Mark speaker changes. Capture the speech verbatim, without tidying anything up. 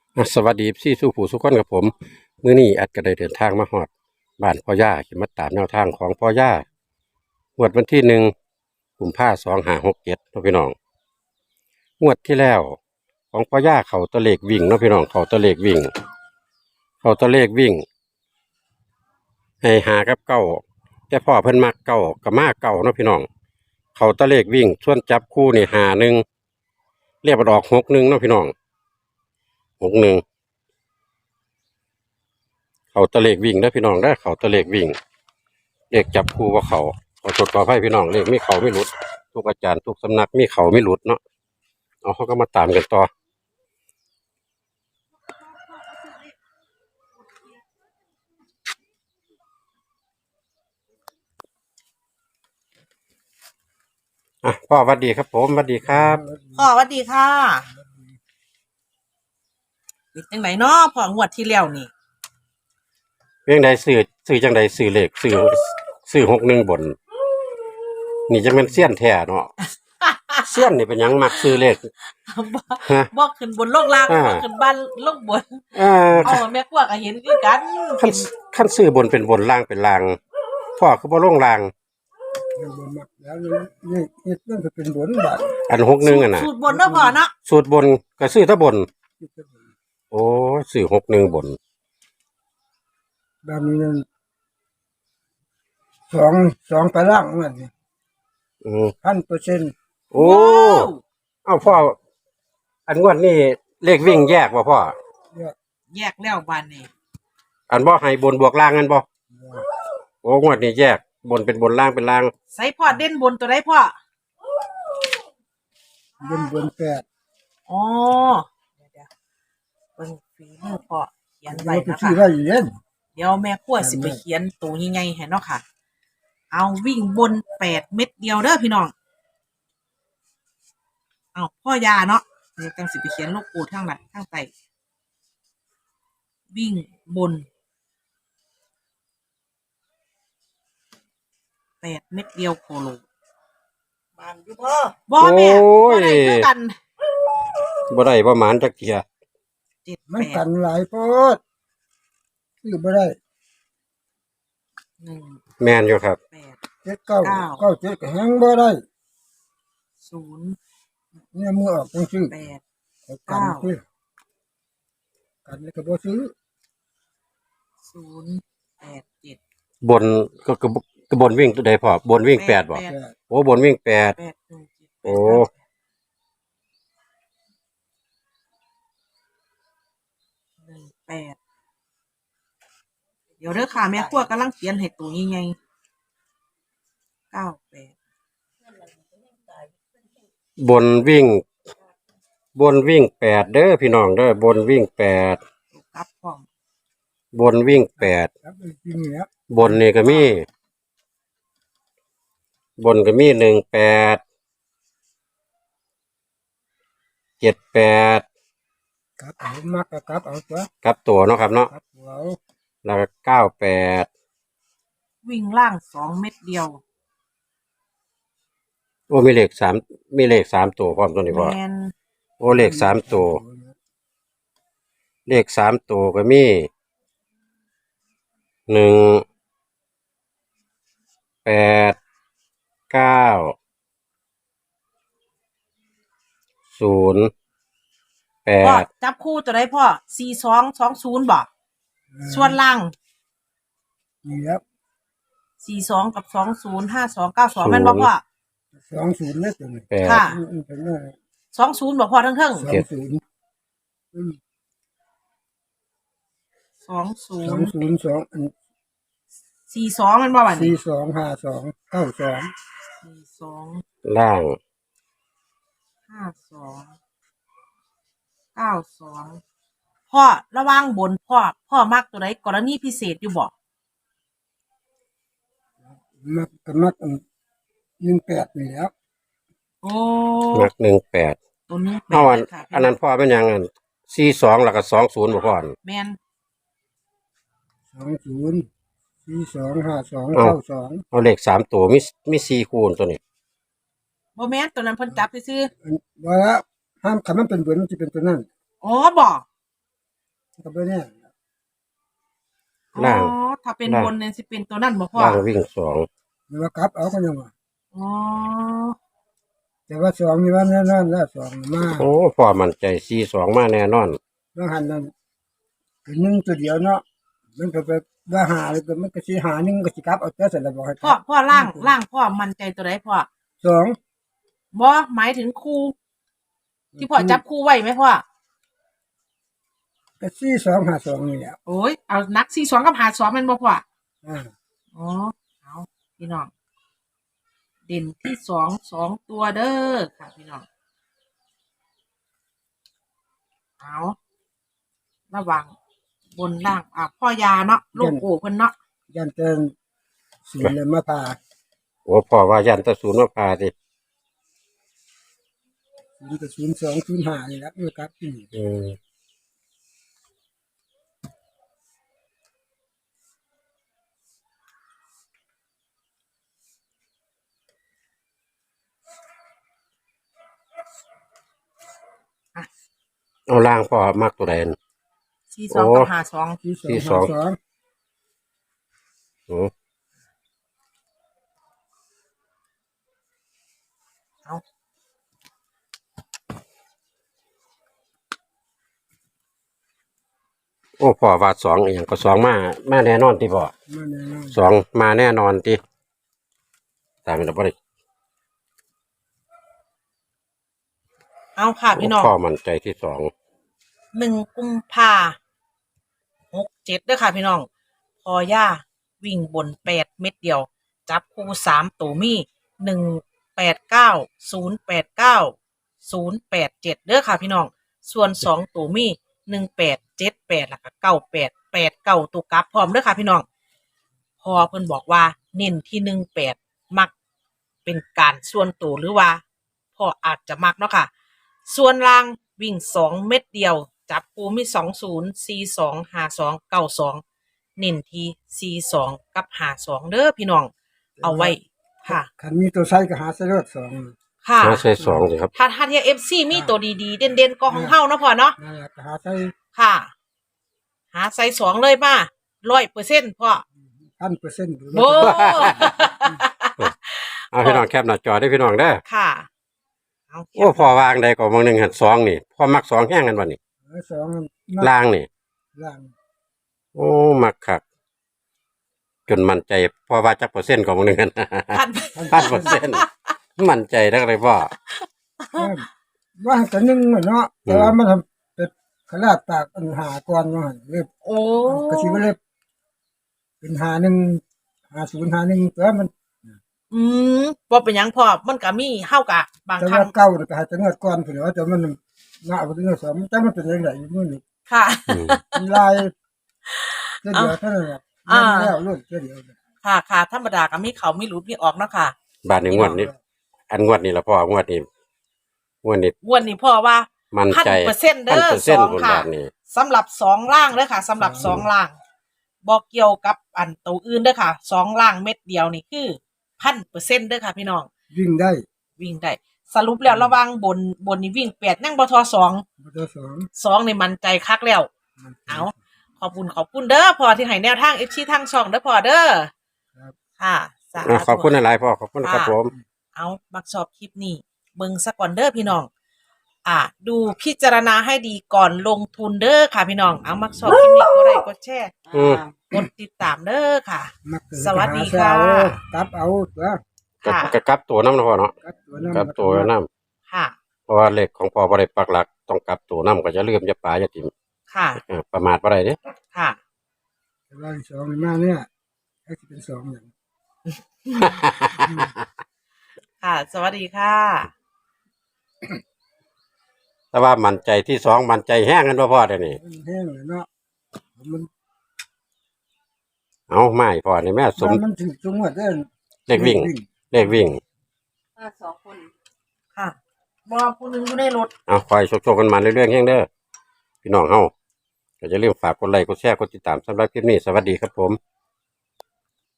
Speaker 1: อ่ะสวัสดีพี่สู้ผู้สุขคนกับผมมื้อนี้อัดก็ได้เดินทางมาฮอดบ้านพ่อย่าสิมาตามแนวทางของพ่อย่างวดวันที่หนึ่งกุมภาพันธ์สองห้าหกเจ็ดเนาะพี่น้องงวดที่แล้วของพ่อย่าเขาตะเลขวิ่งเนาะพี่น้องเขาตะเลขวิ่งเขาตะเลขวิ่งให้หากับเก้าแต่พ่อเพิ่นมักเก้ากับมาเก้าเนาะพี่น้องเขาตะเลขวิ่งส่วนจับคู่นี่หาหนึ่งเรียกว่าดอกหกหนึ่งเนาะพี่น้องหกหนึ่งเขาตะเลขวิ่งเด้อพี่น้องได้อเขาตะเลขวิ่ง เลขจับคู่ว่าเขาขอจดขอให้พี่น้องเลขมีเขาไม่หลุดทุกอาจารย์ทุกสำนักมีเขาไม่หลุดเนาะเอาเขาก็มาตามกันต่ออ่ะพ่อสวัสดีครับผมสวัสดีครับ
Speaker 2: พ่อสวัสดีค่ะเป็นจังไหนเนาะพ่องวดที่แล้วนี่
Speaker 1: เพียงใดซื้อซื้อจังใดซื้อเลขซื้อซื้อหกหนึ่งบนนี่จะเป็นเสี้ยนแท้เนาะเสี้ยนนี่เป็นหยังมักซื้อเลข
Speaker 2: บ่
Speaker 1: ฮะ
Speaker 2: บ่ขึ้นบนโลกล่าง
Speaker 1: อ่า
Speaker 2: บ่ขึ้นบ้านโลกบน
Speaker 1: เออ
Speaker 2: เอาแม่กว่าก็เห็นคือกัน
Speaker 1: ขั้นขั้นซื้อบนเป็นบนล่างเป็นล่างพ่อคือบ่ลงล่าง
Speaker 3: ยังบนมักแล้วนี่นี่เรื่องจะเป็นบนบาท
Speaker 1: อันหกหนึ่งอ่ะนะ
Speaker 2: สูตรบนเนาะพ่อเนาะ
Speaker 1: สูตรบนก็ซื้อถ้าบน โอ้ซื้อหกหนึ่งบน
Speaker 3: แบบนี้นั่นสองสองตารางมัน
Speaker 1: อืม
Speaker 3: พันเปอร์เซ็นต์
Speaker 1: โอ้เอ้าพ่ออันงวดนี่เลขวิ่งแยกบ่พ่อ
Speaker 3: เนี่ย
Speaker 2: แยกแล้วบ้านนี่
Speaker 1: อันบ่ให้บนบวกล่างกันบ่โอ้งวดนี้แยกบนเป็นบนล่างเป็นล่าง
Speaker 2: ใส่พ่อเด่นบนตัวใดพ่อบ
Speaker 3: นบนแปด
Speaker 2: อ๋อเดี๋ยวๆเบิ่งฝีมือพ่อเขียนไว้
Speaker 3: เราไป
Speaker 2: นะ
Speaker 3: ที่
Speaker 2: คะ
Speaker 3: ไรอยู่เย็น
Speaker 2: เดี๋ยวแม่กลัวสิไปเขียนตัวใหญ่ๆให้เนาะค่ะ เอาวิ่งบนแปดเม็ดเดียวเด้อพี่น้องเอาพ่อยาเนาะเดี๋ยวจังสิไปเขียนโลกกูทางไหนทางใต้วิ่งบนแปดเม็ดเดียวโคโลบานอยู่พ่อบอแม่บ่ได้คือกัน
Speaker 1: บ่ได้ประมาณจักเที่ย
Speaker 2: เจ็ด
Speaker 3: มั
Speaker 2: แป
Speaker 3: น
Speaker 2: ด
Speaker 3: กันหลายโพดคือบ่ได้
Speaker 2: หนึ่ง
Speaker 1: แม่นอยู่ครับ
Speaker 2: แปด
Speaker 3: เจ็ดเก้า
Speaker 2: เก้า
Speaker 3: เก้าเจ็ดก็แฮงบ่ได้
Speaker 2: ศูนย์
Speaker 3: เนี่ยมือออกจังซื้อ
Speaker 2: แปด
Speaker 3: เอากันซื้อกันแล้วก็บ่ซื้อ
Speaker 2: ศูนย์แปดเจ็ด
Speaker 1: บนก็ก็ก็บนวิ่งตัวใดพ่อบนวิ่งแปดบ่
Speaker 2: แปด
Speaker 3: แปด
Speaker 1: โอ้บนวิ่งแปด
Speaker 2: แปดหนึ่งเจ็ดแปด
Speaker 1: โอ้
Speaker 2: หนึ่งแปดเดี๋ยวเด้อค่ะแม่ครัวกำลังเขียนให้ตัวใหญ่ๆเก้าแปด
Speaker 1: บนวิ่ง บนวิ่งแปดเด้อพี่น้องเด้อบนวิ่งแปด
Speaker 2: ตัวกลับพร้อม
Speaker 1: บนวิ่งแปด
Speaker 3: ครับจริงๆแล้ว
Speaker 1: บนนี่ก็มี บนก็มีหนึ่งแปดเจ็ดแปด
Speaker 3: ครับเอามักก็ครับเอาตัว
Speaker 1: ครับตัวเนาะครับเนาะ
Speaker 3: ครับเอา
Speaker 1: แล้วก็เก้าแปด
Speaker 2: วิ่งล่างสองเม็ดเดียว
Speaker 1: โอ้มีเลขสามมีเลขสามตัวพร้อมตัวนี้พ่อ
Speaker 2: แมน
Speaker 1: โอ้เลขสามตัวเลขสามตัวก็มีหนึ่งแปดเก้าศูนย์แป
Speaker 2: พ่อ
Speaker 1: ด
Speaker 2: จับคู่ตัวได้พ่อสี่สองสองศูนย์บอกส่วนล่าง
Speaker 3: นี่ครับ
Speaker 2: สี่สองกับสองศูนย์ห้าสองเก้าสองแม่นบอกพ่อ
Speaker 3: สองศูนย์เนี่ยตัวนี้
Speaker 1: แปด
Speaker 2: ค่ะ
Speaker 3: อืมเป็นว่า
Speaker 2: สองศูนย์บอกพ่อทั้งเทิง
Speaker 3: สองศูนย์อืม
Speaker 2: สองศู
Speaker 3: สอน ง
Speaker 2: ย์
Speaker 3: ศูนย์สองอัน
Speaker 2: สี่สองแมันบอกว่า
Speaker 3: สี่สองห้าสองเก้าสอง
Speaker 2: สี่สอง
Speaker 1: ล่าง
Speaker 2: ห้าสองเก้าสองพ่อระวังบนพ่อพ่อมักตัวไหนกรณีพิเศษอยู่บอก
Speaker 3: มักก็มักอันหนึ่งแปดนี่แหล้ว
Speaker 2: โอ้
Speaker 1: หนักหนึ่งแปด
Speaker 2: ตัวนี้แป
Speaker 1: เอาอัน
Speaker 2: ค่ะ
Speaker 1: อันนั้นพ่อเป็นยังอันสี่สองแล้วก็สองศูนย์บ่พ่ออัน
Speaker 2: แมน
Speaker 3: สองศูนย์สี่สองห้าสอง
Speaker 1: เอ้า
Speaker 3: เก้าสอง
Speaker 1: เอาเลขสามตัวมีมีสี่คูณตัวนี้
Speaker 2: บ่แมนตัวนั้นเพิ่นจับซื้อ
Speaker 3: อันว่าแล้วห้ามคำมันเป็นเบือนมันจะเป็นตัวนั้น
Speaker 2: ๆอ๋อบอก
Speaker 3: ก็บ่แน่
Speaker 2: อ๋อ
Speaker 1: ล่าง
Speaker 2: ถ้าเป็น
Speaker 1: ล่าง
Speaker 2: บนเนี่ยสิเป็นตัวนั่นบ่พ่อ
Speaker 1: ล่างวิ่งสอง
Speaker 3: หรือว่ากลับเอาก็ยังว่า
Speaker 2: อ๋อ
Speaker 3: แต่ว่าสองนี่ว่าแน่นอนแล้วสองมา
Speaker 1: โอ้พ่อมั่นใจสี่สองมาแน่นอน
Speaker 3: บางหันนั่นเป็นหนึ่งตัวเดียวเนาะมันก็ไปว่าหาเลยก็มันก็สิหาหนึ่งก็สิกลับเอาแต่เสร็จแล้วบอกให้ก
Speaker 2: พ่อ
Speaker 3: ลับ
Speaker 2: พ่อล่างล่างพ่อมั่นใจตัวไหนพ่อ
Speaker 3: สอง
Speaker 2: บ่หมายถึงคู่ ที่พ่อจับคู่ไว้ไหมพ่อ
Speaker 3: ก็สี่สองหาสองนี่แหละ
Speaker 2: โอ้ยเอานักสี่สองกับหาสองแมันบ่พ่อ
Speaker 3: อ่า
Speaker 2: อ๋อเอาพี่น้องเด่นที่สองสองตัวเด้อค่ะพี่น้องเอาระวังบนล่างอ่ะพ่อยาเนาะลูกโอ้เพิ่นเนาะ
Speaker 3: ยันเตินสีเลยมาพา
Speaker 1: โอ้พ่อว่ายันตะศูนย์มาพาสิ
Speaker 3: ศูนย์กับศูนย์สองศูนย์ห้านี่แหละเมื่อกลับนี่
Speaker 1: อืมเอาล่างพ่อมักตัวใด
Speaker 2: สี่สองกับหาสอง
Speaker 3: ที่สอง
Speaker 1: ที่ส
Speaker 3: หา
Speaker 1: อง
Speaker 3: สอง
Speaker 1: โอ้
Speaker 2: เอา
Speaker 1: โอ้พ่อว่าสองอหย่างก็สองมามาแน่นอนที่พ่อ
Speaker 3: มาแน่นอน
Speaker 1: สองมาแน่นอนที่ตามเราบ่ได้
Speaker 2: เอาค่ะพี่น้อง
Speaker 1: พ่อมั่นใจที่สอง
Speaker 2: หนึ่งกุมภาหกเจ็ดเด้อค่ะพี่น้องพอย่าวิ่งบนแปดเม็ดเดียว จับคู่สามตัวมีหนึ่งแปดเก้าศูนย์แปดเก้าศูนย์แปดเจ็ดเด้อค่ะพี่น้อง ส่วนสองตัวมีหนึ่งแปดเจ็ดแปดแล้วก็เก้าแปดแปดเก้าตัวกลับพร้อมเด้อค่ะพี่น้อง พอเพิ่นบอกว่าเน้นที่หนึ่งแปดมักเป็นการส่วนตัวหรือว่าพ่ออาจจะมักเนาะค่ะ ส่วนล่างวิ่งสองเม็ดเดียว จับปูมีสองศูนย์สี่สองห้าสองเก้าสองเน้นที่สี่สองกับห้าสองเด้อพี่น้อง เอาไว้ค่ะ
Speaker 3: คันมีตัวใช้ก็หาใส่รถสอง
Speaker 2: ค่ะ
Speaker 1: มาใช่สองสิครับ
Speaker 2: ถ้าถ้าเทียเอฟซีมีตัวดีๆ เด่นๆก็ของเฮาเนาะพ่อเนาะ
Speaker 3: นั่นแหละก็หาใส่
Speaker 2: ค่ะ หาใส่สองเลยมาร้อยเปอร์เซ็นต์พ่อ
Speaker 3: พันเปอร์เซ็นต์
Speaker 2: โอ้
Speaker 1: เอาพี่น้องแคปหน้าจอได้พี่น้องเด้อ
Speaker 2: ค่ะเอา
Speaker 1: โอ้พ่อวางใดก็บางหนึ่งหันสองนี่พ่อมักสองแห้งกันวันนี้
Speaker 3: สอง
Speaker 1: ล่างนี่
Speaker 3: ล่าง
Speaker 1: โอ้มักคักจนมั่นใจพ่อว่าจักเปอร์เซ็นต์ของบางหนึ่งหัน
Speaker 2: พัน
Speaker 1: พันเปอร์เซ็นต์มั่นใจได้เลยพ่อ
Speaker 3: ว่าแต่หนึ่งเนาะแต่ว่ามันทำเป็นขนาดปากปัญหาก่อนว่าเรียบ
Speaker 2: โอ้
Speaker 3: ก็สิว่าเรียบเป็นหาหนึ่งหาศูนย์หาหนึ่งแต่ว่ามัน
Speaker 2: อืมบ่เป็นหยังพ่อมันก็มีเฮากะบาง
Speaker 3: แต่
Speaker 2: ครั้
Speaker 3: ว่าง เก่าน่ะก็หาแต่เงินก่อนเพิ่นว่าแต่มันน่าเอาไปเงินสองแต่มันเป็นจังไดอยู่มื้อนี้
Speaker 2: ค่ะ
Speaker 1: อืม
Speaker 3: มันลายเดี๋ยวเท่านั้นแหละ
Speaker 2: อ่า
Speaker 3: มันแล้วรุ่นเดียว
Speaker 2: ค่ะค่ะธรรมดาก็มีเขามีหลุดมีออกเนาะค่ะ
Speaker 1: บาทนี้งวดนี้อันงวดนี้ละพ่องวดนี้งวดนี้
Speaker 2: วันนี้พ่อว่า
Speaker 1: มั่น
Speaker 2: พัน
Speaker 1: ใจ
Speaker 2: เปอร์เซ็นต์เด้
Speaker 1: พัน
Speaker 2: อ
Speaker 1: เปอร์
Speaker 2: ส
Speaker 1: เซ็น
Speaker 2: อ
Speaker 1: ต์
Speaker 2: ง
Speaker 1: บน
Speaker 2: ค่ะ
Speaker 1: บาทนี้
Speaker 2: สำหรับสองล่างเด้อค่ะสำหรับสองล่างบอกเกี่ยวกับอันตัวอื่นเด้อค่ะสองล่างเม็ดเดียวนี่คือพันเปอร์เซ็นต์เด้อค่ะพี่น้อง
Speaker 3: วิ่งได้
Speaker 2: วิ่งได้ สรุปแล้วระหวังบนบนนี่วิ่งแปดนั่งบทสอง
Speaker 3: บ่ได้สอง
Speaker 2: สองในมันใจคักแล้ว เอา ขอบคุณขอบคุณเด้อพอที่ให้แนวทางเอฟซีทางช่องเด้อพอเด้อ
Speaker 3: ครับ
Speaker 2: ค่ะสา
Speaker 1: อ่ะ
Speaker 2: ธุ
Speaker 1: ขอบคุณหลายๆพ่อขอบคุณครับผม
Speaker 2: เอามักชอบคลิปนี้เบิ่งสักก่อนเด้อพี่น้อง อ่า ดูพิจารณาให้ดีก่อนลงทุนเด้อค่ะพี่น้อง เอามักชอบคลิปนี้ก็ได้กดแชร์
Speaker 1: อืม
Speaker 2: กดติดตามเด้อค่ะ
Speaker 3: มักเกิ
Speaker 2: สวัสดีค่ะ
Speaker 3: หาเช้ากลับเอาตัว
Speaker 1: กับ
Speaker 2: ค่ะ
Speaker 1: กับกลับตัวน้ำนะพ่อเนาะ
Speaker 3: กลับตัวนั้น
Speaker 1: กลับตัวน้
Speaker 2: ค่ะ
Speaker 1: ำเพราะว่าเลขของพ่อบ่ได้ปักหลักต้องกลับตัวน้ำก็จะเลื่อมจะป่าจะถิ่ม
Speaker 2: ค่ะ
Speaker 1: อ่าประมาทบ่ได้เด้
Speaker 2: ค่ะ
Speaker 3: แต่ว่าสองนี่มาเนี่ยถ้าสิเป็นสองอย่าง
Speaker 2: ค่ะ สวัสดีค่ะ
Speaker 1: แต่ว่ามั่นใจที่สองมั่นใจแห้งกันบ่พ่อเดี๋ยวนี้
Speaker 3: มันแห้งเลยเนาะมัน
Speaker 1: เอาไม่พ่อนี่แม่สม
Speaker 3: มันถึงจังหวัดเด้อ
Speaker 1: เลขวิ่ง เลขวิ่ง
Speaker 4: ถ้าสองคน
Speaker 2: ค่ะบอผู้หนึงอยู่ในรถ
Speaker 1: เอาคอยโชคๆกันมาเรื่อยๆแห้งเด้อพี่น้องเฮาก็จะเริ่าลืมฝากกดไลค์กดแชร์กดติดตามสำหรับคลิปนี้สวัสดีครับผม